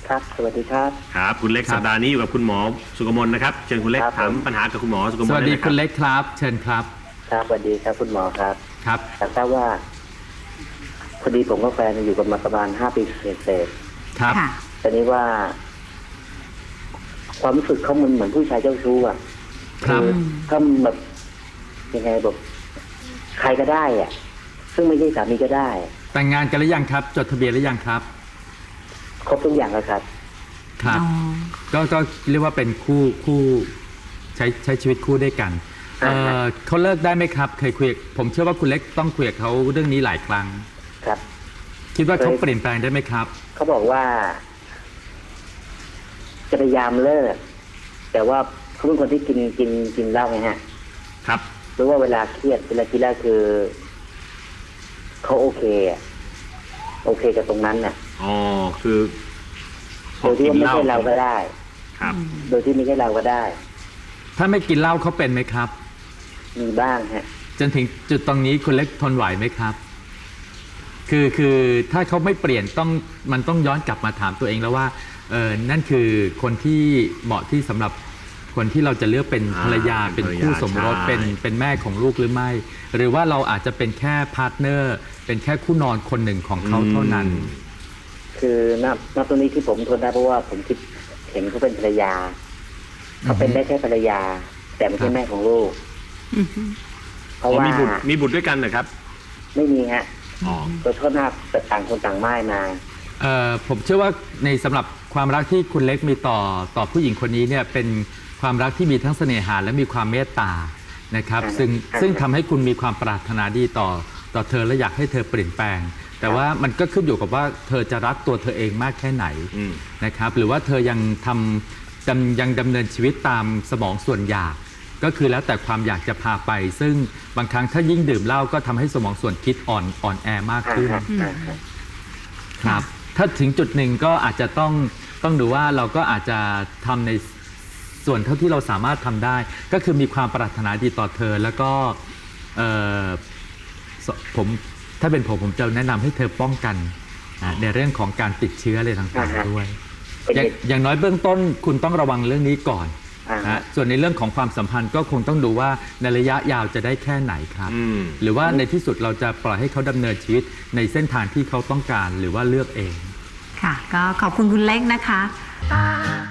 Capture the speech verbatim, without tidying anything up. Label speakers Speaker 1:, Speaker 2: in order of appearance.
Speaker 1: ครับสวัสดีครับ
Speaker 2: ครับคุณเล็กสัปดาห์นี้อยู่กับคุณหมอสุกมลนะครับเชิญคุณเล็กถามปัญหากับคุณหมอสุกมล
Speaker 3: สวัสดีคุณเล็กครับเชิญครับ
Speaker 1: ครับสวัสดีครับคุณหมอครับ
Speaker 3: ครับ
Speaker 1: อยากทราบว่าพอดีผมกับแฟนอยู่กันมาประมาณห้าปีเศษ
Speaker 3: ๆครับ
Speaker 1: ตอนนี้ว่า ความรู้สึกเขามันเหมือนผู้ชายเจ้าชู้อ่ะ
Speaker 3: ครับ
Speaker 1: ถ้าแบบยังไงแบบใครก็ได้อ่ะซึ่งไม่ใช่สามีก็ได้
Speaker 3: แต่งงานกันหรือยังครับจดทะเบียนหรือยังครับ
Speaker 1: ครบทุกอย่างแล้วครับ
Speaker 3: ครับก็ก็เรียกว่าเป็นคู่คู่ใช้ใช้ชีวิตคู่ด้วยกันเออเขาเลิกได้ไหมครับเคยคุยผมเชื่อว่าคุณเล็กต้องคุยกับเขาเรื่องนี้หลายครั้ง
Speaker 1: ครับ
Speaker 3: คิดว่าเขาเปลี่ยนแปลงได้ไหมครับ
Speaker 1: เขาบอกว่าจะพยายามเลิกแต่ว่าเขาเป็นคนที่กินกินกินเหล้าไงฮะ
Speaker 2: ครับ
Speaker 1: หรือว่าเวลาเครียดเวลาคิดแล้วคือเขาโอเคอะโอเคกับตรงนั้นน่ะ
Speaker 2: อ๋อคือ
Speaker 1: โดยที่ไม่ใช่เราก็ได้
Speaker 2: ครับ
Speaker 1: โดยที่ไม่ใช่เราก็ได้
Speaker 3: ถ้าไม่กินเหล้าเขาเป็นไหมครับ
Speaker 1: มีบ้างฮะ
Speaker 3: จนถึงจุดตรงนี้คุณเล็กทนไหวไหมครับคือคือถ้าเขาไม่เปลี่ยนต้องมันต้องย้อนกลับมาถามตัวเองแล้วว่าเออนั่นคือคนที่เหมาะที่สำหรับคนที่เราจะเลือกเป็นภรรยาเป็นคู่สมรสเป็นเป็นแม่ของลูกหรือไม่หรือว่าเราอาจจะเป็นแค่พาร์ทเนอร์เป็นแค่คู่นอนคนหนึ่งของเขาเท่านั้น
Speaker 1: คือนับนับตรงนี้ที่ผมทนได้เพราะว่าผมคิดเห็นเขาเป็นภรรยาเขาเป็นได้แค่ภรรยาแต่ไม่ใช่แม่ของลูก
Speaker 2: เพราะว่ามีบุตรมีบุตรด้วยกันเหรอครับ
Speaker 1: ไม่มีฮะตัวโทษหน้าแต่ต่างคนต่างไม่มา
Speaker 3: เอ่อผมเชื่อว่าในสำหรับความรักที่คุณเล็กมีต่อต่อผู้หญิงคนนี้เนี่ยเป็นความรักที่มีทั้งเสน่หาและมีความเมตตานะครับซึ่งซึ่งทำให้คุณมีความปรารถนาดีต่อต่อเธอและอยากให้เธอเปลี่ยนแปลงแต่ว่ามันก็ขึ้นอยู่กับว่าเธอจะรักตัวเธอเองมากแค่ไหนนะครับหรือว่าเธอยังทำยังดำเนินชีวิตตามสมองส่วนอยากก็คือแล้วแต่ความอยากจะพาไปซึ่งบางครั้งถ้ายิ่งดื่มเหล้าก็ทำให้สมองส่วนคิดอ่อนอ่อนแอมากขึ้นครับถ้าถึงจุดหนึ่งก็อาจจะต้องต้องดูว่าเราก็อาจจะทำในส่วนเท่าที่เราสามารถทำได้ก็คือมีความปรารถนาดีต่อเธอแล้วก็ผมถ้าเป็นผมผมจะแนะนำให้เธอป้องกันในเรื่องของการติดเชื้ออะไรต่างๆด้วยอย าง, อย่างน้อยเบื้องต้นคุณต้องระวังเรื่องนี้ก่อนนะส่วนในเรื่องของความสัมพันธ์ก็คงต้องดูว่าในระยะยาวจะได้แค่ไหนครับหรือว่าในที่สุดเราจะปล่อยให้เขาดำเนินชีวิตในเส้นทางที่เขาต้องการหรือว่าเลือกเอง
Speaker 4: ค่ะก็ขอบคุณคุณเล็กนะคะ